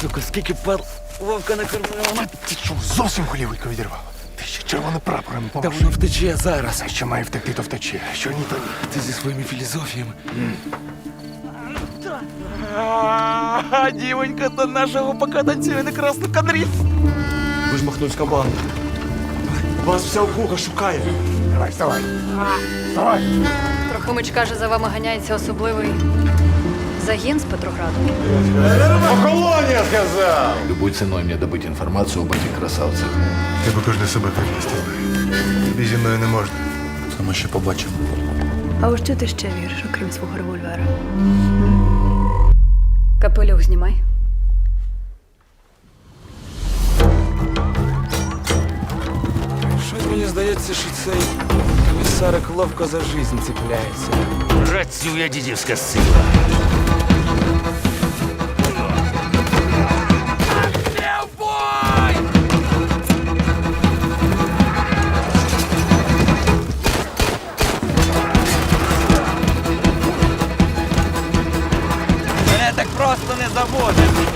сука, скільки пар Вовка накормила. Ти що, зовсім голівку відірвало? Ти ще червоним прапором Та помаш. воно втече зараз. А що має втекти, то втече. А що ні, то ні. Ти зі своїми філізофіями. Дівонька до нашого пока танцює на красну кадрі. Ви ж махнув банда. Вас вся округа шукає. Давай, вставай. Вставай. Трохимич каже, за вами ганяється особливий загін з Петрограду. Любой ценой мне добыть информацию об этих красавцах. Тебе кожен себе припустив. Тобі зі мною не можна. Це ми ще побачимо. А у що ти ще віриш, окрім свого револьвера? Капелюх знімай. Щось мені здається, що цей комісарик ловко за жизнь цепляється. Працює дідівська сила. Мене так просто не заводить.